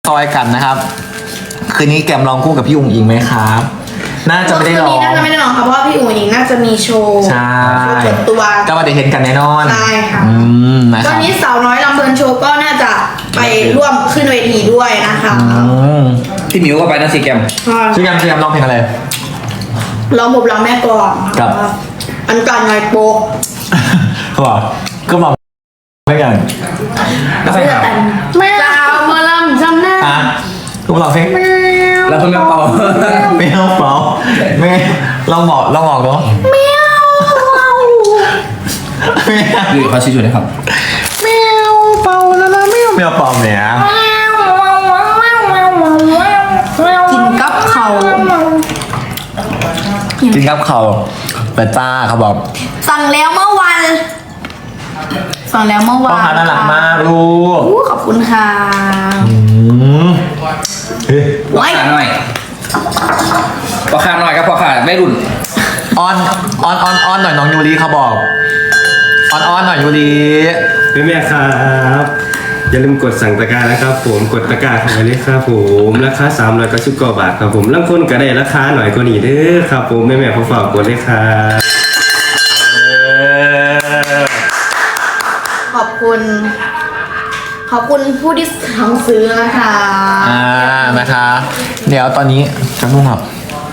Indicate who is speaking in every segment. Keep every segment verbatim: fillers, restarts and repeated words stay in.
Speaker 1: อยกันนะครับคืนนี้แกมลองคู่กับพี่อุ๋งอิงไหมครับน่าจะไม่ได้ลอง
Speaker 2: คืนนี้น่าจะไม่ได้ลองค่ะเพราะว่าพี่อุ๋งอิงน่าจะมีโชว์
Speaker 1: ใช่
Speaker 2: โชว์เปิดตัว
Speaker 1: ก็มาได้เห็นกันแน่นอน
Speaker 2: ใช่ค่ะ
Speaker 1: อืมนะค
Speaker 2: ตอ
Speaker 1: รั
Speaker 2: น
Speaker 1: บ
Speaker 2: นี้สาวน้อยลำเพลินโชว์ก็น่าจะไปร่วมขึ้นเวทีด้วยนะคะ
Speaker 1: อืม
Speaker 3: พี่หมิวก็ไปนะสีแกม
Speaker 1: ชื่อแกมชื่อแกมร้องเพลงอะไร
Speaker 2: ร้องผมร้องแม่ก่อน
Speaker 1: ครับ
Speaker 2: อันการไงโป๊ก
Speaker 1: เขาบอกก็บอกไม่กัน
Speaker 3: แล้วไปหา
Speaker 2: แม่ดาวมาลำจำหน้า
Speaker 1: อ่ะก็บอกเพลง
Speaker 3: แล้วเพิ่งมาเป่า
Speaker 1: ไม่เอาเปล่าไม่ลองบอกลองบอกเนาะ
Speaker 2: แมว
Speaker 3: หรือเขาชี้จุดให้ครับ
Speaker 1: แมวเป่าแล้วนะแมวแมวเป่าเนี่ย
Speaker 2: กินกับเขา
Speaker 1: กินกับเขาเปิดจ้าเขาบอก
Speaker 2: สั่งแล้วเมื่อวันสั่งแล้วเมื่อ
Speaker 1: พ่อ
Speaker 2: วาน
Speaker 1: ค้าน่ารักมากลูก
Speaker 2: อู้ขอบคุณค่ะ
Speaker 1: อืมเฮ้ย
Speaker 3: พ่อขาหน่อยพ่อขาหน่อยครับพ่อขาไม่รุ่น
Speaker 1: ออนออนออนออนหน่อยน้องยูริเขาบอกออนออนหน่อยยูริ
Speaker 4: แม่แม่ครับอย่าลืมกดสั่งตะกร้านะครับผมกดตะกร้าเข้าไปเลยครับผมราคาสามร้อยเก้าสิบเก้าบาทครับผมลางคนก็ได้ราคาหน่อยกว่านี้เด้อครับผมแม่แม่ขอฝากกดเลยครับ
Speaker 2: ขอบคุณ ขอบคุณผู้ที่สั่งซื้อนะคะ
Speaker 1: อ่านะคะ เดี๋ยวตอนนี้จะนุ่งครับ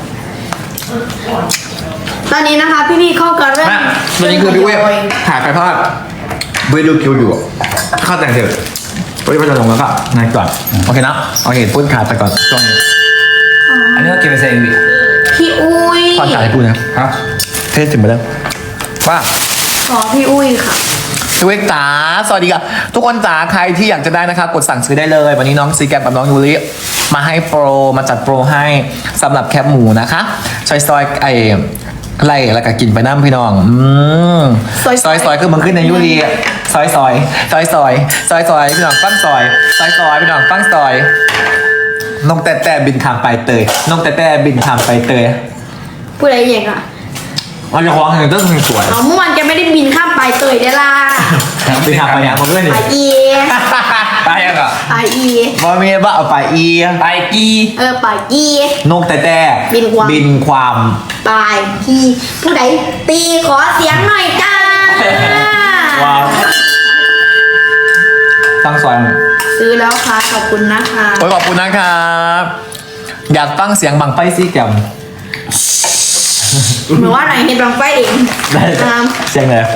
Speaker 2: ตอนนี้นะคะพี่พี่ๆเข้ากันเริ่ม
Speaker 1: แม่ตอนนี้คือพี่เวฟถ่ายไปทอดเวฟดูคิวอยู่เข้าแต่งเสร็จวันนี้ไปจะลงแล้วก็นายก่อนโอเคนะโอเคพูดขาดไปก่อนช่วงนี้
Speaker 3: อันนี้เราเก็บไปใส่วิ
Speaker 2: พี่อุ้ย
Speaker 1: ตอนถ่ายให้พูดนะ
Speaker 3: ครับ
Speaker 1: เทสถึงไปแล้วว่า
Speaker 2: ขอพี่อุ้ยค่ะ
Speaker 1: พี่เวกจ๋าสวัสดีครับทุกคนจ๋าใครที่อยากจะได้นะครับกดสั่งซื้อได้เลย วันนี้น้องซีแกมกับน้องยูริมาให้โปรมาจัดโปรให้สำหรับแคปหมูนะคะซอยซอยไอไล่แล้วก็กินไปน้ำพี่น้องอืม
Speaker 2: ซอยๆ
Speaker 1: ซอยซอยคือมันขึ้นในยูริซอยซอยซอยซอยซอยซอยพี่น้องฟังซอยซอยซอยพี่น้องฟังซอยนกแต่แต่บินข้ามไปเตยนกแต่แต่บินข้ามไปเตย
Speaker 2: พูดอะไรอย่างอ่ะ
Speaker 1: มันจะคล้องอย่างต้นสวย
Speaker 2: เอาเมื่อวานแกไม่ได้บินข้ามไปเตยได้ล่ะ
Speaker 1: บินข้ามไปอย่างมาเพื่อนนี่
Speaker 2: ไปอี
Speaker 3: ไปยังอ่ะ
Speaker 2: ไปอี
Speaker 1: บอมีว่าเอาไปอี
Speaker 3: ไปกี
Speaker 2: เออไปอี
Speaker 1: นกแต่แต่
Speaker 2: บินความ
Speaker 1: บินความ
Speaker 2: ไปอีผู้ใดตีขอเสียงหน่อยจ้า
Speaker 1: ว้าวตั้งซอย
Speaker 2: ซื้อแล้วค่ะขอบคุณนะคะ
Speaker 1: โอ้ยขอบคุณนะครับอยากฟังเสียงบังไฟซี่แกม
Speaker 2: เหมือนว่าไหนเห็นบังไฟเอง
Speaker 1: ได้
Speaker 2: นะครับ
Speaker 1: เสียงเลย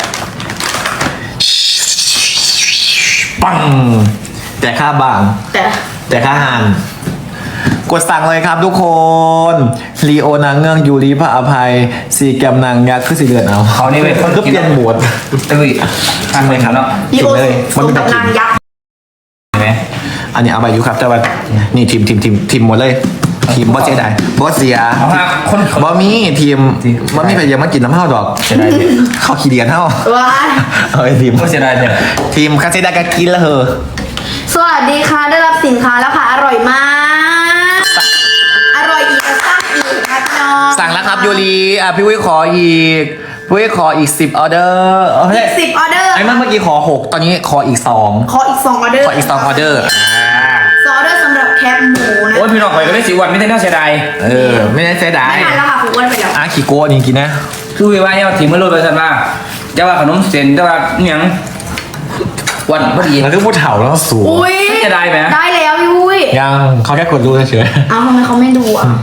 Speaker 1: ปังแต่ค่าบาง
Speaker 2: แต่
Speaker 1: แต่ค่าหานกดสั่งเลยครับทุกคนลีโอนางเงือกยูริพระอภัยซีแกมนางยักษ์คือสีเดือนเอา
Speaker 3: เขานี่เป็น
Speaker 1: มันก็เปลี่ยนโหมด
Speaker 3: ตะวิทางเลยครับเนาะ
Speaker 2: ดีโอ
Speaker 1: กินเลย
Speaker 2: สมกับนางยักษ์
Speaker 3: เห็นไหม
Speaker 1: อันนี้เอาไปอยู่ครับแต่ว่านี่ทีมทีมทีมทีมหมดเลยทีมบอสเสียดายบอสเสีย
Speaker 3: เอาฮะคน
Speaker 1: บอมีทีมบอมีใครยังมากินน้ำเห่าดอก
Speaker 3: เสียดายเนี่ย
Speaker 1: เขาขี้เดียนเห่า
Speaker 2: ว้าย
Speaker 1: เอาไอ้ทีม
Speaker 3: ก็เสียดายเนี่ย
Speaker 1: ทีมคาเซดากากินแล้วเหอะ
Speaker 2: สวัสดีค่ะได้รับสินค้าแล้วค่ะอร่อยมากอร่อยอีกสร้างอีกค่ะพี่น้อง
Speaker 1: สั่งแล้วครับยูรีอ่ะพี่วิขออีกพี่วิขออีกสิบออเดอร์เอ้ย
Speaker 2: สิบออเดอร์
Speaker 1: ไอ้เมื่อกี้ขอหกตอนนี้ขออีกสอง
Speaker 2: ขออีกสองออเดอร์
Speaker 1: ขออีกสองออเดอร์อ่า
Speaker 2: สองออเดอร์สำหรับแคปหมูนะ
Speaker 3: โอ้ยพี่น้องไปก็ได้สิวันไม่ได้น่าเสียดาย
Speaker 1: เออไม่ได้เสียดาย
Speaker 2: ไม่ทันแล้วค่ะคุณอ้วนไปแล้ว
Speaker 1: อ่ะขี้โก้นี่กินนะ
Speaker 3: คือว่าเนี่ยทีมเมื่อรุ่นไปสันว่าจะว่าขนมเส้นจะว่าอหยังวันพอดี
Speaker 1: แล้วก็พูดเถ่าแล้วสูง
Speaker 2: อุ้ย
Speaker 3: จะได้ไหม
Speaker 2: ได้แล้วยุ้ย
Speaker 1: ยังเขาแค่กดดูเฉย
Speaker 2: เอาทำไมเขาไม่ดูอ่ะ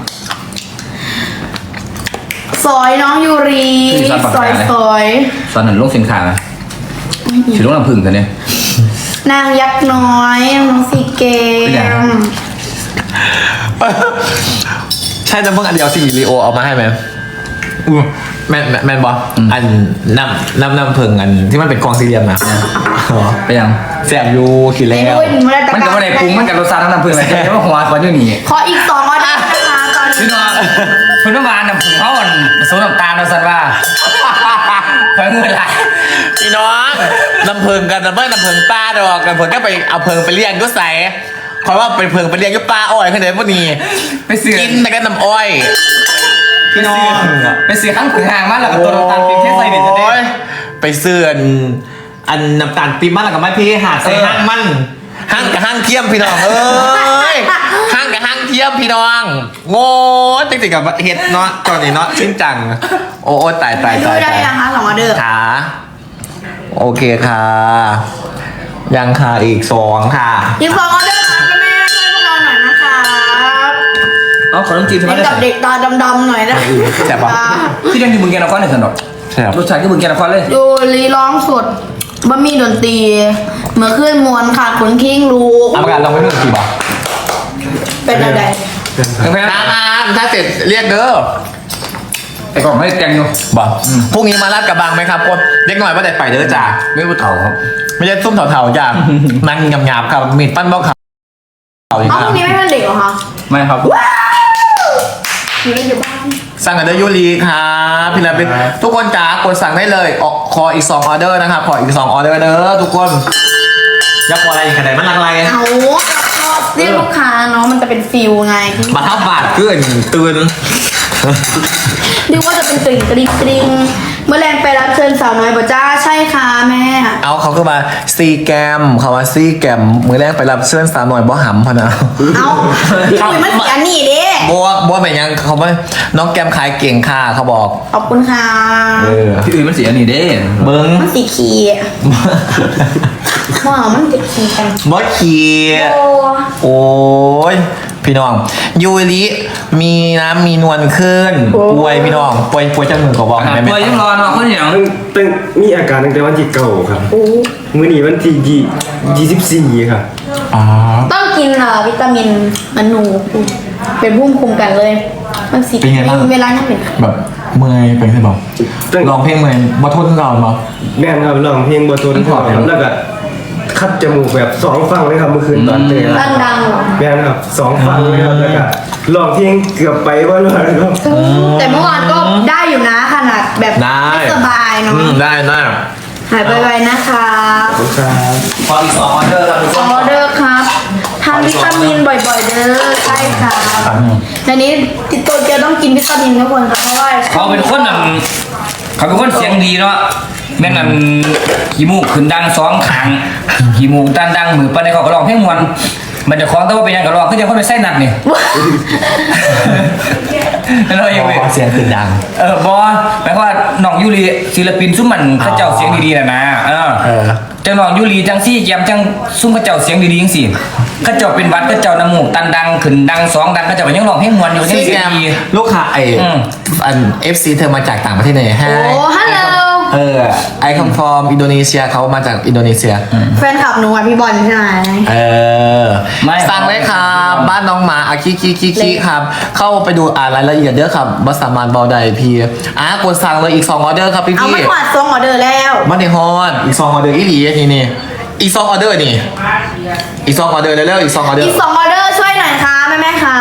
Speaker 2: ซอยน้องยูรีซอยซอย
Speaker 3: ตอนนั้นลงสินค้าถือลงลำพึ่งกันเนี่ย
Speaker 2: นางยักษ์น้อยน้องสีเก
Speaker 3: เป็นไง
Speaker 2: ม
Speaker 1: ๆใช่น้ำมึงอันเดียวสิรีโอเอามาให้ไหมอือแมนแมนแมนบออันน้ำน้ำน้ำเพิงอันที่มันเป็นกองสี่เหลี่ยมนะอ๋อ
Speaker 3: ไปยัง
Speaker 1: แสบอยูขีด
Speaker 2: ใน
Speaker 1: แล้ว
Speaker 2: ด้วยหนูได้ตะ
Speaker 3: มันก็ไม่ได้ปรุงมันกับรสชาติทั้งน้ำพึ่งเลยแค่ว่าหัวคนอยู่นี่
Speaker 2: ขออีกสองออเดอร์นะคะตอน
Speaker 3: พี่
Speaker 2: นี้
Speaker 3: น้องคุณต้องการน้ำพึ่งเขาอ่อนสูน้ำตาลเราสันว่าคอยเงินไหล
Speaker 1: พี่น้องน้ำเพิงกันน้ำเพิงน้ำเพิงป้าดอกน้ำเพิงก็ไปเอาเพิงไปเลี้ยงก็ใส่คอยว่าไปเพิงไปเลี้ยงก็ป้าอ้อยขึ้นเลยพวกนี้
Speaker 3: ไปเสือ
Speaker 1: กินแต่ก็น้ำอ้อยพี่น้อง
Speaker 3: ไปเสือข้างผืนห่างมากแล้วก็ตัวน้ำตาลปี๊บแค่ใส่เด็ดจะได้
Speaker 1: โอ้ยไปเสื่อนอันน้ำตาลปี๊บมันแล้วก็ไม่พี่หาใส่ห้างมันห้างกับห้างเทียมพี่น้องเอ้ยพี่น้องโง่จริงๆกับเฮ็ดเนาะตอนนี้เนาะชิ้นจัง โอ้โอ้ตายตาย
Speaker 2: ดู
Speaker 1: ตาย
Speaker 2: ได้
Speaker 1: ตาย
Speaker 2: นะคะสองออเดอร์
Speaker 1: ขาโอเคค่ะ ยังค่ะอีกสองค่ะ
Speaker 2: ยิงสองออเดอร์ค่ะแม่ช่วยพวกเราหน่อยนะคะ
Speaker 3: เอาขนมจีนทำไม
Speaker 2: เป็น
Speaker 3: ได้
Speaker 2: กับเด็กตาดำๆหน่อยนะ
Speaker 1: แซ่บปะ
Speaker 3: ที่ยังอยู่เมืองแกนนครเนี่ยสนุก
Speaker 1: แซ่บ
Speaker 3: รสชาติก็เมืองแกนนครเลย
Speaker 2: ดูรีร้องสดบะหมี่ดนตรีเมื่อขึ้นมวนค่ะขนคิงลูก
Speaker 1: เอาประกาศลองไปหนึ่งกี่บาท
Speaker 2: เป็นอะไร
Speaker 3: แพง
Speaker 1: น้ำน้ำถ้าเสร็จเรียกเด้อ
Speaker 3: ไอ้กล่องไม่แกงอยู่
Speaker 1: บอกพรุ่งนี้มาลาดกระบังไหมครับคนเด็กหน่อยว่าแต่ไปเด้อจ้า
Speaker 3: ไม่รู้เถ่าครับ
Speaker 1: ไม่ใช่ส้มเถาๆจ้านั่งหยาบๆครับมีดปั้นเบ้าขาวอีก
Speaker 2: เอ้า
Speaker 1: ค
Speaker 2: พ
Speaker 1: รั
Speaker 2: รุ่
Speaker 1: บ
Speaker 2: งนี้ไม่เป็นเด็กเหรอคะ
Speaker 3: ไม่ครับ
Speaker 2: อยู่ในอยู่บ้าน
Speaker 1: สั่งกันเดอร์ยูรีครับพี่ลาเป็นทุกคนจ๋ากดสั่งได้เลยออกขออีกสองออเดอร์นะครับขออีกสองออเดอร์เด้อทุกคนอยากขออะไรอีกขนาดมันอะไร
Speaker 2: เอาก็เรียกลูกค้าเนาะมันจะเป็นฟิลไงที่
Speaker 1: มาทับบาทเกินตื่น
Speaker 2: เรียกว่าจะเป็นกริ่งกริ๊งกริ๊งเมื่อแรงไปรับเชิญสาวน้อยบ่จ้าใช่ค่ะแม่
Speaker 1: เอาเขาก็มาซีแกมเขาว่าซีแกมมือแรกไปรับเชิญสาวหน่อยบ่หำพะนะ
Speaker 2: เอาพี่คุยมันเสียนี่เด้
Speaker 1: บัวบัวเป็นยังเขาว่าน้องแกมขายเก่งค่ะเขาบอก
Speaker 2: ขอบคุณค่ะ
Speaker 1: เออ
Speaker 3: ที่อื่นมันเสียนี่เด้
Speaker 1: เบิ้ง
Speaker 2: มันสีขีว้าวมันติดขีกัน
Speaker 1: บอสเขีย
Speaker 2: โอ้
Speaker 1: โอ้ยพี่น้องยูริมีน้ำมีนวลขึ้นป่วยพี่น้องป่วยป่วยจังหนึ่งก็บอก
Speaker 3: ครับ
Speaker 1: ได้ไหม
Speaker 3: ตัวยังรอเนาะคนอย่าง
Speaker 4: ตั้งตั้งมีอาการตั้งแต่วันที่เก้าครับ
Speaker 2: โอ้
Speaker 4: มื้อนี้วันที่ยี่ยี่สิบสี่ครับ
Speaker 1: อ๋อ
Speaker 2: ต้องกินอ่ะวิตามินมันหนูเป็นภูมิคุ้มกันเลย มันสี
Speaker 1: เป็นไงบ้าง
Speaker 2: เวลาเนี่ยเป็น
Speaker 1: แบบเมื่อยเป็นไงบอก
Speaker 4: ตั้ง
Speaker 1: ลองเพลงเมื่อยบ่ทนก่อนบ่
Speaker 4: แม่นครับร้องเพลงบ่ทนครับแล้วก็คัดจมูกแบบสองฟังเลยครับเมื่อคืนตอนเตะ
Speaker 2: ดังๆเหรอ
Speaker 4: แม่นครับสองฟังเลยครับแล้วก็ร้องเพลงเกือบไปว่าเลยครับ
Speaker 2: แต่เมื่อวานก็ได้อยู่นะขนาดแบบ
Speaker 1: ได้
Speaker 2: ไม่สบายเนาะ
Speaker 1: อืมได้ได้
Speaker 2: หายไปๆนะคะ
Speaker 4: ขอบคุณครับ
Speaker 1: พออีกสองออเดอร์แล้วทุกค
Speaker 2: อน อเดอร์ครับทานวิตามินบ่อยๆเด้อใช่ค่ะในนี้ติดตัวเกียวต้องกินวิตามินทุกคนครับเพราะว่า
Speaker 3: เขาเป็นคนนั่นเขาเป็นคนเสียงดีเนาะแม่งนั่นขี้มูกขึ้นดังสองขางขี้มูกดันดังมือปันในเขาก็ร้องเพลงมวนมันจะคล้องแต่ว่าเป็นยังก็ร้องก็จะคนไปไส้หนักนี่ แล้วเรายังไง
Speaker 1: เสียงขึ้นดัง
Speaker 3: เออบอหมายความว่าน้องยูรีศิลปินซุ้มมันเข้าเจ้าเสียงดีๆนะนะเออ
Speaker 1: เออ
Speaker 3: จังน้องยูรีจังซี่แกมจังซุ้มเข้าเจ้าเสียงดีๆจังสิเข้าเจ้าเป็นหวัดเข้าเจ้าน้ำมูกตันดังขึ้นดังสองดังเข้าเจ้าก็ยังร้องเพลงมวนอยู่ยัง
Speaker 1: ซี
Speaker 3: เสี
Speaker 1: แก
Speaker 3: ยง
Speaker 1: ม
Speaker 3: ดี
Speaker 1: ลูกค้าไอ
Speaker 3: อืม
Speaker 1: อันเอฟซีเธอมาจากต่างประเทศเลยฮะ
Speaker 2: โอ้ฮัลโหล
Speaker 1: เออไอคอมฟอร์มอินโดนีเซียเขามาจากอินโดนีเซีย
Speaker 2: แฟนคลับหนูอ่ะพี่บอลใช่ไหม
Speaker 1: เออ
Speaker 3: ไม่
Speaker 1: สั่งเลยครับบ้านน้องหมาอาคิคิคิคิครับ เข้าไปดูอ่านรายละเอียดเด้อครับบัสามานเบาใดพี่อ่ะกดสั่งเลยอีกสองออเดอร์ครับพี่
Speaker 2: เอา
Speaker 1: พี่
Speaker 2: ไม่กวาดซองออเดอร์แล้ว
Speaker 1: มันในฮอนอีกสองออเดอร์อีหลีนี่นี่อีกสองออเดอร์นี่อีกสองออเดอร์เร็วๆอีกสองออเดอ
Speaker 2: อี
Speaker 1: ร์
Speaker 2: กสองออเดอร์ช่วยหน่อยครับแม่แม่ๆครับ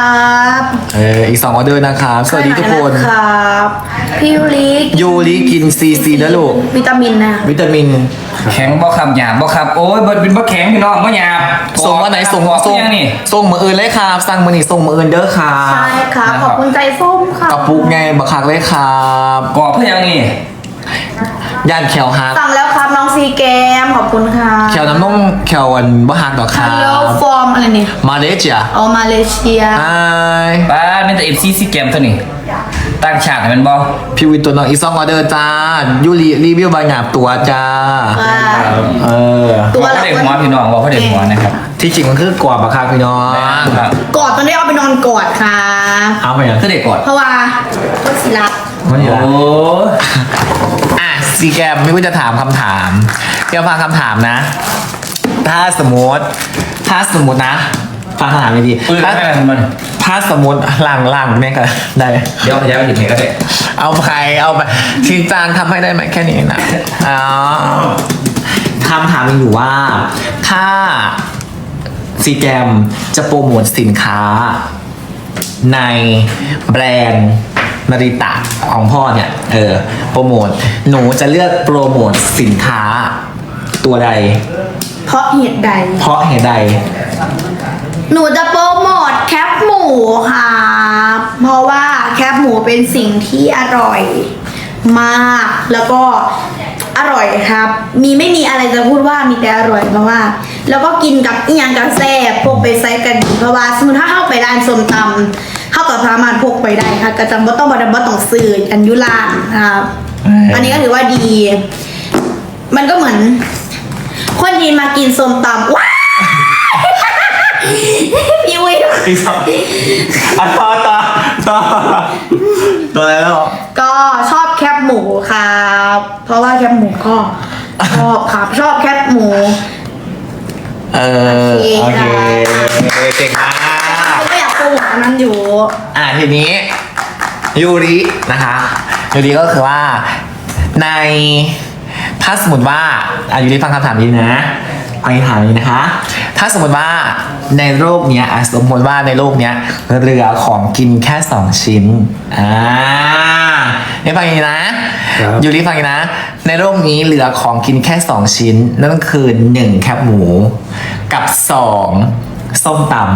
Speaker 1: เอออีกสองออเดอร์นะครับสวัสดีทุกคน
Speaker 2: ช่วยหอยนะครับพี่ยูริ
Speaker 1: ยูริกินซีซีนะลูก
Speaker 2: วิตามินนะ
Speaker 1: วิตามิน
Speaker 3: แข็งบ่ขับหยาบบ่ขับโอ้ยบ่เป็นบ่แข็งพี่น้องบ่หยาบ
Speaker 1: ส่งวันไหนส่ง
Speaker 3: บอก
Speaker 1: ส่ง
Speaker 3: ยังนี่
Speaker 1: ส่งมืออื่นเลยครับสั่งมือนี่ส่งมืออื่นเด้อครับ
Speaker 2: ใช่ครับขอบคุณใจส้มค่ะ
Speaker 1: กระปุกไงบักคักเลยครับ
Speaker 3: กรอบเพื่อยังนี่
Speaker 1: ย่านแขวฮัก
Speaker 2: สั่งแล้วครับน้องซีแกมขอบคุณค่ะ
Speaker 1: แขวน้ำนมแขวอันบ่ฮักดอกครั
Speaker 2: ฮัลโหล
Speaker 1: บ
Speaker 2: ฟอร์มอะไรเนี่ย
Speaker 1: มาเลเซีย
Speaker 2: อ๋อมาเลเซีย
Speaker 1: ไอ
Speaker 3: ป้าเป็นแต่ เอฟ ซี ซีเกมตัวนี้ตั้งฉากให้มันบ่
Speaker 1: พี่วินตัวน้องอีซองออเดอร์จ้ายูรีรีวิวบางอย่างตัวจ้า
Speaker 2: ค่ะ
Speaker 1: เออ
Speaker 2: ตัว
Speaker 3: บอก
Speaker 2: ละ
Speaker 3: เขาเด็กหัวพี่น้องบอกเขาเด็กหัวนะครับ
Speaker 1: ที่จริงมันคือกรอบบักคักพี่น้อง
Speaker 3: ครับ
Speaker 2: กอดตอนนี้เอาไปนอนกอดค่ะ
Speaker 1: เอาไปยัง
Speaker 3: คือเด็กกด
Speaker 2: เพราะว่าก็สิรับ
Speaker 1: มันอยู่
Speaker 3: โอ้
Speaker 1: อ่ะซีแกมไม่ว่าจะถามคำถามเดี๋ยวฟังคำถามนะ ถ้าสมมติ ถ้าสมมตินะ ฟังคำถามดี
Speaker 3: ปืน
Speaker 1: ๆถ้า
Speaker 3: แม่มัน
Speaker 1: ถ้าสมมติหลังหลังแม่ก็ได้
Speaker 3: เดี๋ยวพยายามไปหยิบเห็นก็ได้
Speaker 1: เอาไปเอาไปทีจานทำให้ได้ไหมแค่นี้นะอ๋อคำถามมีอยู่ว่า ถ้าซีแกมจะโปรโมทสินค้า ในแบรนด์นาริตะของพ่อเนี่ย เออ โปรโมท หนูจะเลือกโปรโมทสินค้าตัวใด
Speaker 2: เพราะเหตุใด
Speaker 1: เพราะเหตุใด
Speaker 2: หนูจะโปรโมทแคปหมูค่ะ เพราะว่าแคปหมูเป็นสิ่งที่อร่อยมาก แล้วก็อร่อยครับ มีไม่มีอะไรจะพูดว่ามีแต่อร่อยเพราะว่าแล้วก็กินกับอีหยังกับแซ่บพกไปใส่กันเพราะว่าสมมติถ้าเข้าไปร้านส้มตำเข้ากับสามารถพกไปได้ค่ะก็จะบ่ต้องบ่บ่ต้องซื้ออันยุลานนะครับอันนี้ก็ถือว่าดี มันก็เหมือน คนจีนมากินส้มตำว้าพี่วิว
Speaker 1: อีกสองอ่ะต่อต่อต่อต่ออะไรแล้ว
Speaker 2: ก็ชอบแคบหมูครับ เพราะว่าแคบหมูก็ชอบครับชอบแคบหมู
Speaker 1: เออ
Speaker 2: โอ
Speaker 1: โอ
Speaker 2: เค
Speaker 1: เคเก่งมาก
Speaker 2: ก็อยากโปรโมทอันนั้นอยู่
Speaker 1: อ่ะทีนี้ยูรินะคะยูริก็คือว่าในถ้าสมมติว่าอายูริฟังคำถามนี้นะฟังคำถามนี้นะคะ ถ้าสมมติว่าในโลกเนี้ยอ่ะสมมติว่าในโลกเนี้ยเหลือของกินแค่สองชิ้นอ่านี่ฟังอย่างนี้นะครับ ยูริฟังอย่างนี้นะ ในโลกนี้เหลือของกินแค่สองชิ้น นั่นก็คือหนึ่งแคบหมูกับสองส้มตำ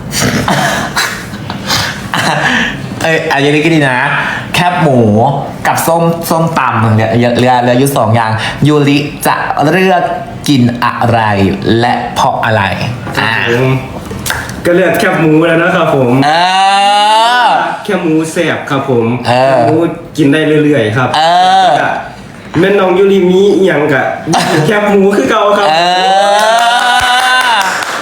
Speaker 1: เอยอันนี้ก็ดีนะ แคบหมูกับส้มส้มตำเนี่ยเหลือเหลือเหลืออยู่สองอย่างยูริจะเลือกกินอะไรและเพราะอะไรอ่า
Speaker 4: ผมก็เลือกแคบหมูแล้วนะครับผม
Speaker 1: เออ
Speaker 4: แคบหมูแซ่บครับผม
Speaker 1: เออ
Speaker 4: แคบหมูกินได้เรื่อยๆครับ
Speaker 1: เออ
Speaker 4: แล้วก็แม่น้องยูริมีอหย่างกะแคบหมูคือเก่าครับ
Speaker 1: เออ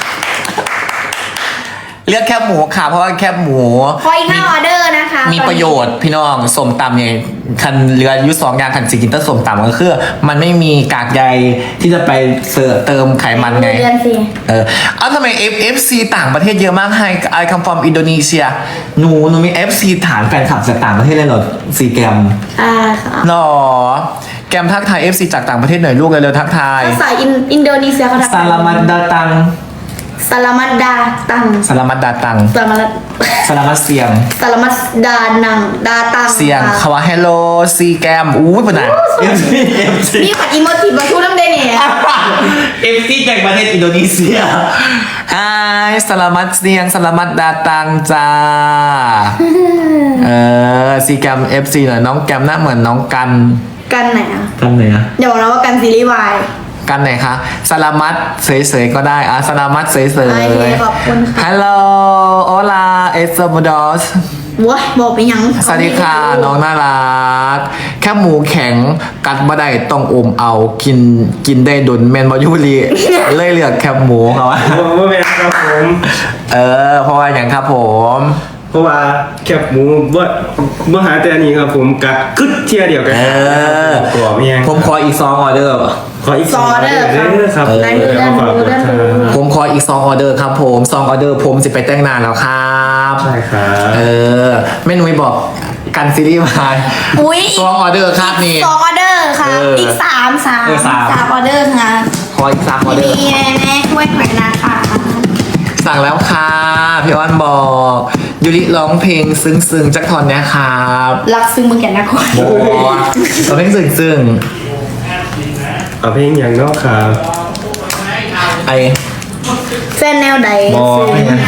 Speaker 1: เลือกแคบหมูค่ะเพราะว่าแคบหมู
Speaker 2: ขออีกห้าออเดอร์นะคะ
Speaker 1: มีประโยชน์พี่น้องสมตำเนี่ยคันเรือยุสองอย่างคันสิกินเตอร์สมตำก็คือมันไม่มีกากใยที่จะไปเสริมเติมไขมันไง
Speaker 2: เรียนสิ
Speaker 1: เออเอาทำไม F FC ต่างประเทศเยอะมากให้ I come from Indonesia หนูหนูมี เอฟ ซี ฐานแฟนคลับจากต่างประเทศเลยเหรอซีแกรม
Speaker 2: อ่าค่ะ
Speaker 1: หรอแกมทักทาย เอฟ ซี จากต่างประเทศหน่อยลูกเร็วๆทักทาย
Speaker 2: ภาษาอินอินโดนีเซียเขาทำ
Speaker 1: สลามัดดาตัง
Speaker 2: สลามัดดาตัง
Speaker 1: สลามัดดาตัง
Speaker 2: สลามัด
Speaker 1: สลามัดเสียง
Speaker 2: สลามัดดานังดาตัง
Speaker 1: เสียง
Speaker 2: ค่ะ
Speaker 1: คำว่า hello ซีแกมอู้ยปะนะ เอฟ ซี เอฟ ซี
Speaker 2: นี่ผัดอีโมจิมาชูน้ำเดนเนี่ย
Speaker 1: เอฟซีจากประเทศอินโดนีเซียไอ้สลามัดเสียงสลามัดดาตังจ้า เออซีแกมเอฟซีหน่อยน้องแกมหน้าเหมือนน้องกัน
Speaker 2: กันไหนอ่ะ
Speaker 1: กันไหนอะ
Speaker 2: อย่าบอกนะว่ากันซีรีส์วาย
Speaker 1: กันไหนคะสลามัดเสยๆก็ได้อะสลามัดเสย
Speaker 2: โอเคขอบคุณค่ะ
Speaker 1: ๆฮัลโหลโอลาเอสโมดอส
Speaker 2: ว้ายบอกไปยัง
Speaker 1: สวัสดีค่ะน้องน่ารักแค่หมูแข็งกัดบ่ได้ต้องอมเอากินกินได้ดุนแมนบอยูรีเลยเลือกแคบหมูเขาว่า
Speaker 4: ผมว่าแม่นครับผม
Speaker 1: เออเพราะว่าอย่างครับผม
Speaker 4: เพราะว่าแคบหมูบ่บ่หาแต่อันนี้ครับผมกัดกึดเทียเดียวกัน
Speaker 1: เออ
Speaker 4: กรอบยัง
Speaker 1: ผมขออีกซองออเดอร์
Speaker 4: ขออีกสองออเดอร์ครับ
Speaker 2: เออได้เรื่อง
Speaker 4: ขอฝาก
Speaker 2: รู้เรื่องรู้
Speaker 1: ผมขออีกซองออเดอร์ครับผมซองออเดอร์ผมสิไปแต่งนานแล้วครับ
Speaker 4: ใช่ครับ
Speaker 1: เออแม่นุ้ยบอกกันซีรีส์มา
Speaker 2: อุ้ย
Speaker 1: ซองออเดอร์ครับนี่
Speaker 2: สองออเดอร์ค่ะ
Speaker 1: เอออี
Speaker 2: อีกสามสาม
Speaker 1: เออสาม
Speaker 2: สามออเดอร์ค่ะ
Speaker 1: ขออีกสามออเดอร์
Speaker 2: มีแน่ๆช่วยหน่อยนะคะ
Speaker 1: สั่งแล้วค่ะพี่อ้อนบอกยูริร้องเพลงซึ้งๆจักทอนเนี้ยครับ
Speaker 2: รักซึ้งมึงแก่นะคน
Speaker 1: โบร้องเพลงซึ้ง
Speaker 4: เอาเพลงอย่างนอกครับ
Speaker 1: ๆไอ
Speaker 2: แฟนแนวใด
Speaker 1: บอ
Speaker 2: ซึ้ง
Speaker 1: ไม่ไง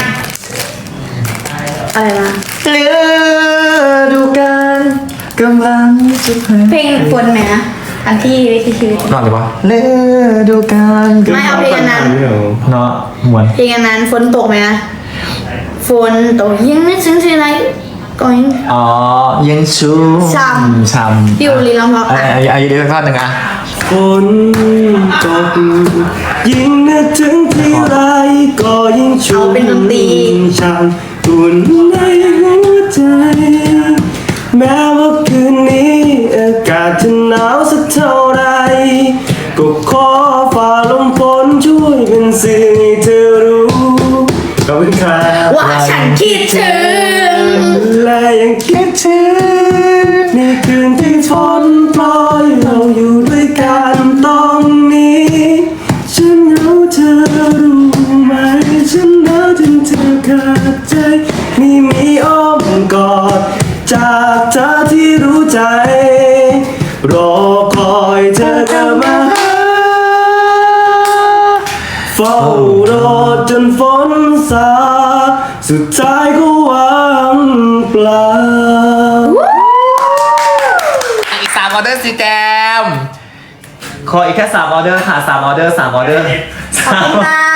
Speaker 2: อะไรนะ
Speaker 1: เหลือดูกันกำลังจะเพลง
Speaker 2: เพลงฝนไหมนะอันที่วิถีชีวิต
Speaker 1: นอนหรือเปล่าเหลือดูกัน
Speaker 2: ไม่เอาเพลงอันนั้น
Speaker 1: เนาะมวน
Speaker 2: เพลงอันนั้นฝนตกไหมนะฝนตกยังไม่ถึงที่ไหนก็ยัง
Speaker 1: อ๋อยังชู
Speaker 2: ช้ำ
Speaker 1: ช้ำ
Speaker 2: พี่อุลีลองร้อง
Speaker 1: ไอ้
Speaker 2: อ่ะ
Speaker 1: ไอ้ไอ้ยูริสักท่อนหนึ่งอะ
Speaker 4: ฝนตกยิ่งนึกถึงที่ไรก็ยิ่งชุ่มช่ำอุ่นในหัวใจ แม้ว่าคืนนี้อากาศจะหนาวสักเท่าไรก็ขอฝ่าลมฝนช่วยเป็นสื่อให้เธอรู้ขอบคุณครับ
Speaker 2: ว่าฉันคิดถึง
Speaker 4: และยังคิดถึงในคืนที่ฝนโปรยเราอยู่ด้วยกันตรงนี้ ฉันรู้เธอรู้ไหมฉันหนาวจนเธอขาดใจไม่มีอ้อมกอดจากเธอที่รู้ใจ รอคอยเธอกลับมาหาเฝ้ารอจนฝนซาสุดท้ายก็วางเปล่า
Speaker 1: อีกสามออเดอร์สิแจมขออีกแค่สามออเดอร์ค่ะสามออเดอร์สามออเดอร์
Speaker 2: ขอบคุณค่ะ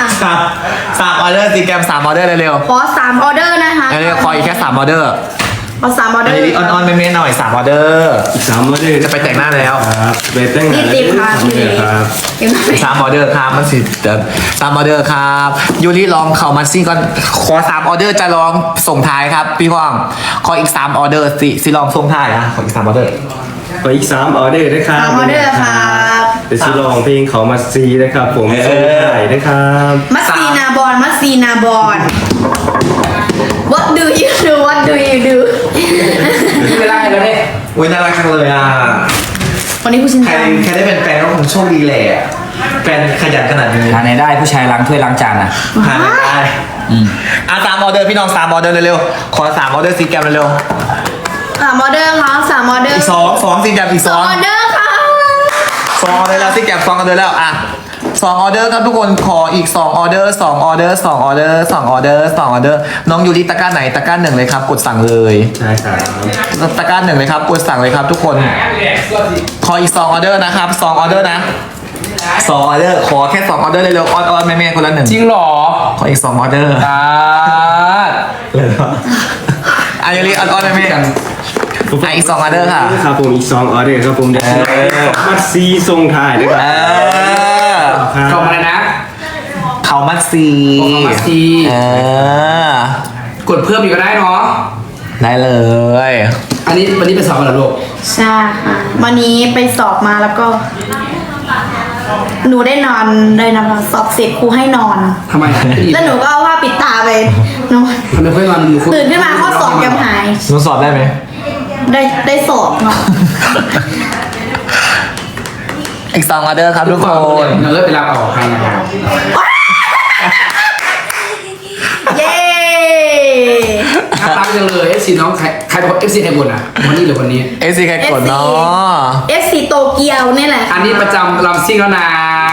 Speaker 1: สามสามออเดอร์ซีแกรมสามออเดอร์เร็ว
Speaker 2: ขอสามออเดอร์นะคะ
Speaker 1: ๆเร็วๆขออีกแค่สามออเดอร์
Speaker 2: ขอสามออเด
Speaker 1: อัน
Speaker 2: อร์
Speaker 1: นี้ออนๆไม่เม้นหน่อยสามออเดอร์
Speaker 4: อีกสามออเดอร์
Speaker 1: จะไปแต่งหน้าแล้ว
Speaker 4: ครับไปแต่งหน้า
Speaker 2: นี่ติดค่ะ
Speaker 4: สามออเดอร์ครับ
Speaker 2: เห็นไหม
Speaker 1: สามออเดอร์ครับมันสิเดี๋ยวสามออเดอร์ครับยูริลองเข่ามาซี่ก่อนขอสามออเดอร์จะลองส่งท้ายครับพี่ว่างขออีกสามออเดอร์สิสิลองส่งท้ายนะขออีกสามออเดอร์
Speaker 4: ขออีกสามออเดอร์นะครับ
Speaker 2: สามออเดอร์ครับ
Speaker 4: เดี๋ยวจะลองเพลงเขามาซีนะครับผม
Speaker 1: เออ
Speaker 4: ส่งถ่ายนะครับ
Speaker 2: มัสซีนาบอลมัสซีนาบอล What do you do What do you do
Speaker 3: เวลาแล้วเนี่ย
Speaker 1: อุ้ยน่ารักจังเลยอ่ะ
Speaker 2: วันนี้ผู้ชิน
Speaker 1: ใคร
Speaker 2: จัง
Speaker 1: ใครได้เป็นแฟนก็คงโชคดีแหละแฟนขยันขนาดนี้
Speaker 3: หาไหนได้ผู้ชายล้างถ้วยล้างจานอ่ะ
Speaker 1: หาไม่ได้อ่ะสามออเดอร์พี่น้องสามออเดอร์เร็วๆขอสามออเดอร์ซีแกรมเร็ว
Speaker 2: สามออเดอร์ครับสามออเด
Speaker 1: ๆ
Speaker 2: อร์
Speaker 1: อีกสองสองซีแกรมอีก
Speaker 2: ส
Speaker 1: ส
Speaker 2: อ
Speaker 1: อง ง
Speaker 2: ออเดอร์ค่ะ
Speaker 1: สองออเดอร์แล้วซีแกรมสองออเดอร์แล้วอ่ะสองออเดอร์ครับทุกคนขออีกสองออเดอร์สองออเดอร์สองออเดอร์สองออเดอร์สองออเดอร์น้องยูริตะกร้าไหนตะกร้าหนึ่งเลยครับกดสั่งเลย
Speaker 4: ใช่ครับ
Speaker 1: ตะกร้าหนึ่งเลยครับกดสั่งเลยครับทุกคนขออีกสองออเดอร์นะครับสองออเดอร์นะสองออเดอร์ขอแค่สองออเดอร์เร็วๆออนๆแม่ๆคนละหนึ่ง
Speaker 3: จริงเหรอ
Speaker 1: ขออีกสองออเดอร์
Speaker 3: ตา
Speaker 1: เลยเหรออายุริออนๆแม่ๆอ่ะอีกสองออเดอร์ค่ะ
Speaker 4: ครับผมอีกสองออเดอร์ครับผมเดี๋ยวจะลองเขามาซีส่งถ่ายนะค
Speaker 1: เอ
Speaker 4: รับ
Speaker 1: อ
Speaker 3: เข้ามาเลยนะ
Speaker 1: เขามัดซี
Speaker 3: เขามัดซี
Speaker 1: เออก
Speaker 3: ดเพิ่มอีกก็ได้เนาะ
Speaker 1: ได้เลย
Speaker 3: อันนี้วันนี้เป็นสอบกันเหรอลูก
Speaker 2: ใช่ค่ะวันนี้ไปสอบมาแล้วก็ หนูได้นอนเลยนะคะสอบเสร็จครูให้นอน
Speaker 3: ทำไม
Speaker 2: แล้วหนูก็เอาผ้าปิดตาไปนอน
Speaker 3: ทำไมเพื่อนนอนอยู่คุณ
Speaker 2: ตื่นขึ้นมาข้อสอบยังหาย
Speaker 1: หนูสอบได้ไหม
Speaker 2: ได้ได้สอบเนาะ
Speaker 1: อีกสองออเดอร์ครับทุกคน
Speaker 3: เนื้อไปรับเอาใครนะครับ
Speaker 2: เย้
Speaker 3: น่ารักจังเลยเอฟซีน้องใครใครบอกเอฟซีใครบ่นอ่ะวันนี้หรือวันนี้
Speaker 1: เอซีใครกดเนาะ
Speaker 2: เอฟซีโตเกียวนี่แหละ
Speaker 3: อันนี้ประจำลำซิ่งแล้วนะ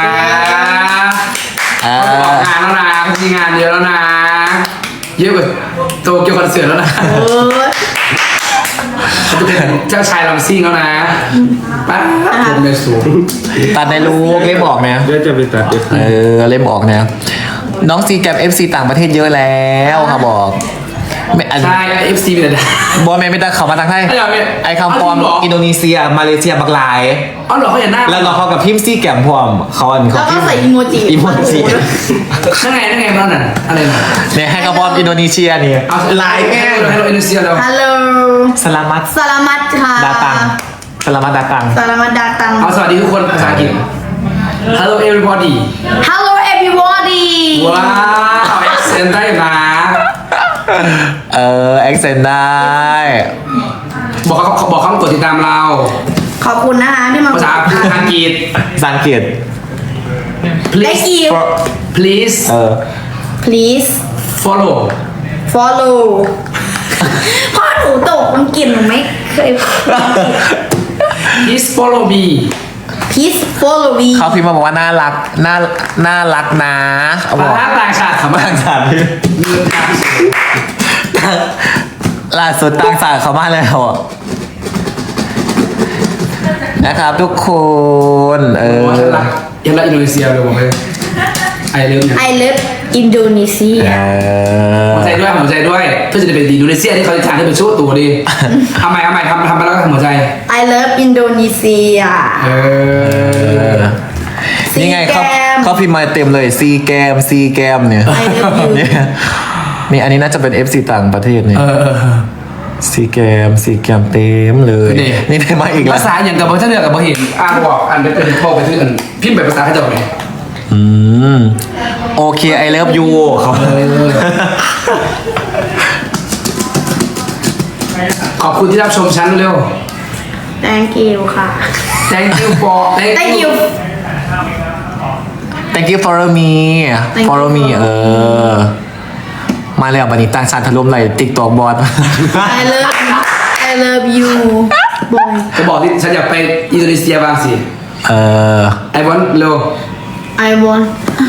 Speaker 1: เอ
Speaker 3: ออก
Speaker 1: อง
Speaker 3: านแล้วนะมีงานเยอะแล้วนะ เยอะกว่าโตเกียวคอนเสิร์ตแล้วนะ
Speaker 2: เออ
Speaker 3: เขาจะเป็นเจ้าชายลำซิ่งแล้วนะป้าผมเลยสูง
Speaker 1: ตัดในลูกเล่มออกเนี่ย
Speaker 4: เดี๋ยวจะไปตัดเดี๋ยว
Speaker 1: เออเล่มออกเนี่ยน้องซีแกรมเอฟซีต่างประเทศเยอะแล้วครับบอกไม่อัน
Speaker 3: ใช่เอฟซีเป็นอะไร
Speaker 1: บอลแมนไม่ต้องเขามาทางไทย
Speaker 3: ไอ้เหรอเนี่ย
Speaker 1: ไอคำฟอร์ม
Speaker 3: เอาจริงเหรอ
Speaker 1: อินโดนีเซีย มาเลเซียบักหลาย
Speaker 3: อ๋อเหรอเขาอย่าหน้า
Speaker 1: แล้วเราเขากับพิมพ์ซีแกรมพร้อมเขาอัน
Speaker 2: แล้ว
Speaker 1: เขา
Speaker 2: ก็
Speaker 1: พิมพ์
Speaker 2: ใส่อีโมจิ
Speaker 1: อีโมจิ
Speaker 3: นั่นไงนั่นไงบ้านน่ะอะไรน่ะ
Speaker 1: เนี่ยให้คำฟอร์มอินโดนีเซียนี่
Speaker 3: เอา
Speaker 1: หลายแง่
Speaker 3: ให้เราอินโดนีเซียเรา
Speaker 2: ฮัลโหล
Speaker 1: สลามัต
Speaker 2: สลามัดค่ะ
Speaker 1: ดาตังสลามัตดาตัง
Speaker 2: สลามัดดาตัง
Speaker 3: เอาสวัสดีทุกคนภาษาอังกฤษ Hello everybody
Speaker 2: Hello everybody
Speaker 3: ว้าวเอ็กเซนได้นะ
Speaker 1: เออเอ็กเซนได้
Speaker 3: บอกเขาบอกเขากดติดตามเรา
Speaker 2: ขอบคุณนะคะที่มา
Speaker 3: ภาษาภาษาอังกฤษ
Speaker 1: สังเกต
Speaker 2: ได้
Speaker 3: please
Speaker 2: กิว
Speaker 3: please
Speaker 1: เออ
Speaker 2: please
Speaker 3: follow
Speaker 2: follow พ่อหนูตกมันกินหนูไม่เคย
Speaker 3: please follow me
Speaker 2: please follow me
Speaker 1: เขาพิมพ์มาบอกว่าน่ารักน่าน่ารักนะเขาบ
Speaker 3: ภา
Speaker 1: อก
Speaker 3: ษาต่างชาติคำว่า
Speaker 1: ต่างชาติล่าสุดต่างชาติเขามาแล้วอ่ะนะครับทุกคนเออ
Speaker 3: ยันละยันละอินโดนีเซียเลยบอกเลยไอเลิฟเนี่ย
Speaker 2: I love Indonesia
Speaker 1: เออ
Speaker 3: หัวใจด้วยหัวใจด้วยเพื่อจะได้เป็นอินโดนีเซียที่เขาจะทานให้เป็นชั่วตัวดีทำไมทำไมทำทำไปแล้วก็ทำหัวใจ
Speaker 2: I love Indonesia
Speaker 3: เออ
Speaker 1: นี่ไงเขา
Speaker 2: ซีแกม
Speaker 1: เขาพิมพ์มาเต็มเลยซีแกมซีแกมเนี่ย
Speaker 2: I love you
Speaker 1: เนี่ยนี่อันนี้น่าจะเป็น เอฟ ซี ต่างประเทศเนี่ย
Speaker 3: เออ
Speaker 1: ซีแกมซีแกมเต็มเลย
Speaker 3: นี่
Speaker 1: นี่ได้มาอีกแล้ว
Speaker 3: ภาษาอย่างกับท่านเรือกับบ่เห็นอ่านบอกอ่านไปเป็นโทรไปที่อื่นพิมพ์แบบภาษาเขาจะบอกไง
Speaker 1: อืมโอเคไอเลิฟยูเขา
Speaker 3: ขอบคุณที่รับชมฉันเร็ว
Speaker 2: Thank you ค่ะ
Speaker 3: thank you for
Speaker 2: Thank you
Speaker 1: thank you follow me
Speaker 2: Thank you
Speaker 1: follow me เออ มาแล้วบันนี้ต่างชาติถล่มไหลติ๊กตอกบอส
Speaker 2: I love I love you boy
Speaker 3: จะบอกที่ฉันอยากไปอินโดนีเซียบ้างสิ
Speaker 1: เออ
Speaker 3: I want เร็ว
Speaker 2: I want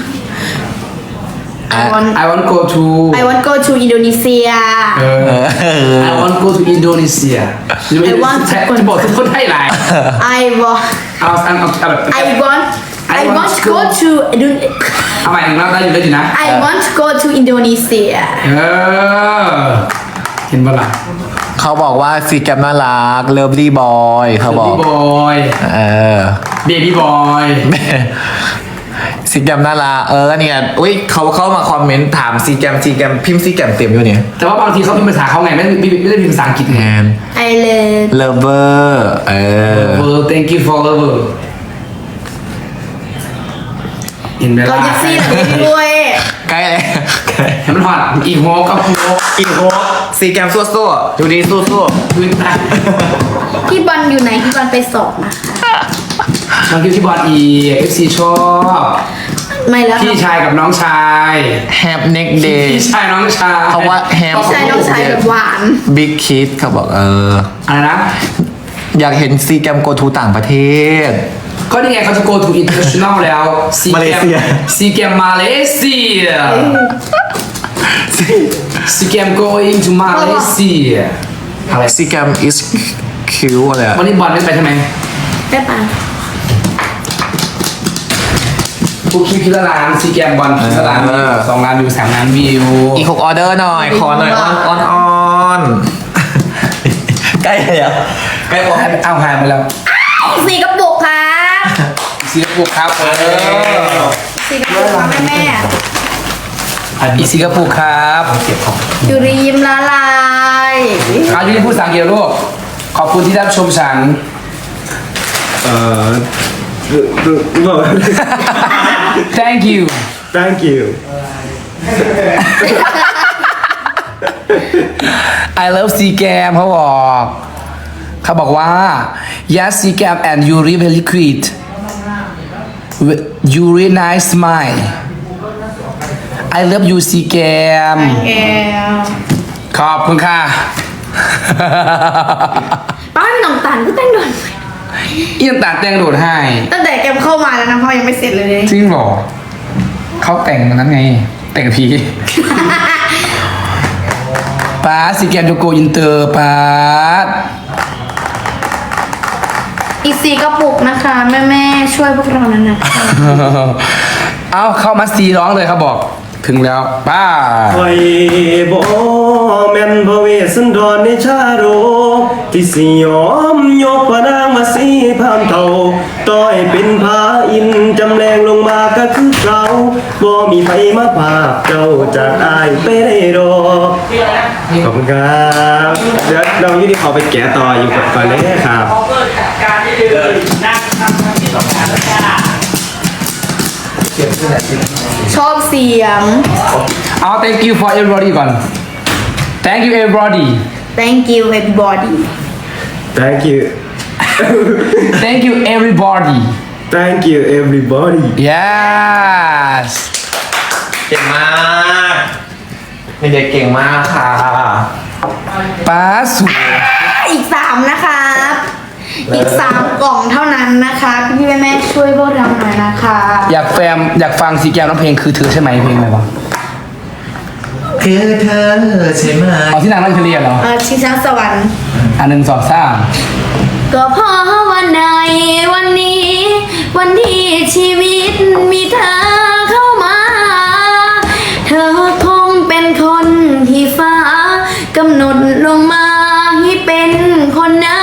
Speaker 2: I want
Speaker 3: I want go to
Speaker 2: I want go to Indonesia
Speaker 3: เออ I want go to Indonesia
Speaker 2: I want
Speaker 3: จะบอกทุกคนให้หลาย
Speaker 2: I want
Speaker 3: เอาเอาเอาแบบ
Speaker 2: I want I
Speaker 3: I want
Speaker 2: want
Speaker 3: to
Speaker 2: go to Indonesia
Speaker 3: เอาใหม่อีกรอบได้อยู่ได้อยู่นะ
Speaker 2: I want to go to Indonesia
Speaker 3: เออเห็นปะล่ะ
Speaker 1: เขาบอกว่าซีแกมน่ารักเลิฟลี่บอยเขาบอก
Speaker 3: บอย
Speaker 1: เออ
Speaker 3: เบบี้บอย
Speaker 1: ซีแกมน่ารักเออเนี่ยอุ้ยเขาเข้ามาคอมเมนต์ถามซีแกมซีแกมพิมพ์ซีแกมเต็มอยู่เนี่ย
Speaker 3: แต่ว่าบางทีเขาพิมพ์ภาษาเขาไงไม่ไม่ไม่ได้พิมพ์ภาษาอังกฤษ
Speaker 1: แท
Speaker 3: ไง
Speaker 1: น
Speaker 2: I love
Speaker 1: เลิฟเวอร์เออ
Speaker 3: เออ thank you for lover เห็นไหม
Speaker 2: ก็
Speaker 3: ล่ะ
Speaker 2: ยักซี่แบบนี้ด้วย
Speaker 1: ใกล้เลย
Speaker 3: เห็นมันหอดอีโฮกับโฮ
Speaker 1: อีกโฮซีแกมสู้ๆดูดีสู้
Speaker 3: พื้นใต้
Speaker 2: พี่บอลอยู่ไหนพี่บอลไปสอบนะคะ
Speaker 3: บางทีที่บอลอีเอฟซีชอบ
Speaker 2: ไม่แล้ว
Speaker 3: พี่ชายกับน้องชาย
Speaker 1: ๆแฮปเน็กเดย์
Speaker 3: พี่ชายน้องชาย
Speaker 1: เพราะว่าแฮม
Speaker 2: พี่ชายน้องชายแบบหวาน
Speaker 1: บิ๊กคิดเขาบอกเออ
Speaker 3: อะไรนะ
Speaker 1: อยากเห็นซีแกมโกทูต่างประเทศ
Speaker 3: ก็นี่ไงเขาจะ go to international แล้วซี
Speaker 1: มาเล
Speaker 3: แกม
Speaker 1: เซีย
Speaker 3: ซีแกมมาเลเซียซีแกม going to มาเลเซียอะไร
Speaker 1: ซีแกม is cute อะไรอะ
Speaker 3: วันนี้บอลไม่ไปใช่ไหม
Speaker 2: ได้ปะ
Speaker 3: ทุกคลิปพิละล้านซีแกมบอลพิละล้านสองล้านวิวสามล้านวิว
Speaker 1: อีกหกออเดอร์หน่อย ขอหน่อยออนออนออนใกล้เลยอะใกล้พอ
Speaker 3: ให้เอาหายไปแล้ว
Speaker 2: สี่กระปุกครับ
Speaker 3: ซีกระปุกครับเออ
Speaker 2: สี่กระปุกครับแม่แม่
Speaker 3: อีซีกระปุกครับ
Speaker 1: เก็บของ
Speaker 2: ยูริยิ้มละลาย
Speaker 3: อายุที่พูดภาษาอังกฤษลูกขอบคุณที่รับชมฉัน
Speaker 4: เอ่อบอก
Speaker 3: thank you
Speaker 4: thank you
Speaker 3: I love ซีแกมเขาบอกเขาบอกว่า yes ซีแกม and Yuri very cute Yuri nice smile I love you ซีแกม
Speaker 2: แก
Speaker 3: ขอบคุณค่ะ
Speaker 2: ป้าไม่ต้องตันก็แต่งโดน
Speaker 3: เอียนตัดแต่งโดดให้
Speaker 2: ตั้งแต่แกมเข้ามาแล้วนะพ่อยังไม่เสร็จเลย
Speaker 3: จริงเหรอเขาแต่งนั้นไง แต่งกับพี ป้าซีแกมโยโกอินเตอร์ป้า
Speaker 2: อีกสี่กระปุกนะคะแม่แม่ๆช่วยพวกเรานั้นนะคะ
Speaker 3: เอาเข้ามาซีร้องเลยเขาบอก ถึงแล้วป้า
Speaker 4: คอยบ่แม่นพระเวสสันดรในชาโรที่สิยอมยกพระนางมาสีพามเท่าต่อยเป็นพระอินทร์จำแรงลงมาก็คือเราบ่มีไผมาภาคเจ้าจากอายไปได้ดอกขอบคุณครับเดี๋ยวน้องยูนี่เขาไปแกะต่ออยู่ก่อนเลยครับ
Speaker 2: ชอบเสียง
Speaker 3: เอา thank you for everybody ก่อน thank you everybody
Speaker 2: thank you everybody
Speaker 4: thank you
Speaker 3: thank you everybody
Speaker 4: thank you everybody
Speaker 3: yes
Speaker 1: เก่งมากเด็กๆเก่งมากค่ะ
Speaker 3: ป้าสวย
Speaker 2: อีกสามนะครับ อีกสามกล่องเท่านั้นนะคะพี่ๆแม่ๆช่วยพวกเราหน่อยนะคะ
Speaker 3: อยากแฟมอยากฟังซีแกมร้องเพลงคือเธอใช่ไหมเพลงอะไรวะ
Speaker 1: คือเธอใช่ไหม
Speaker 3: เอาที่นางนั่งเฉลี่ยเหรอ
Speaker 2: เออชิงช้าสวรรค์
Speaker 3: อันหนึ่งสองสาม
Speaker 2: ก็เพราะวันในวันนี้ วันที่ชีวิตมีเธอเข้ามา เธอคงเป็นคนที่ฟ้ากำหนดลงมาให้เป็นคนนั้น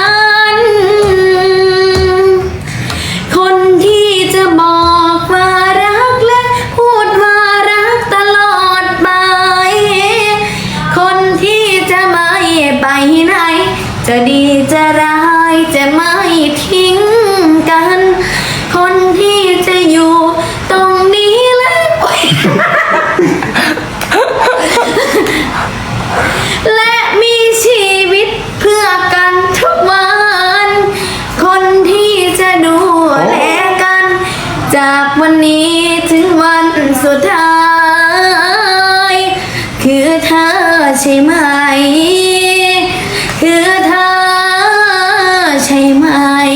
Speaker 2: คนที่จะบอกว่ารักและพูดว่ารักตลอดไป คนที่จะไม่ไปไหน จะดีจะร้ายจะไม่ทิ้งกัน คนที่จะอยู่ตรงนี้และและมีชีวิตเพื่อกันทุกวัน คนที่จะดูแลกัน จากวันนี้ถึงวันสุดท้าย คือเธอใช่ไหม คือเธอใช่ไหม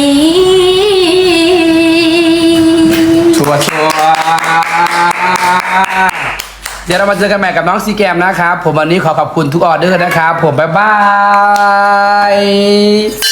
Speaker 3: ชัวร์ชัวร์เดี๋ยวเรามาเจอกันใหม่กับน้องซีแกมนะครับ ผมวันนี้ขอขอบคุณทุกออเดอร์นะครับ ผมบ๊ายบาย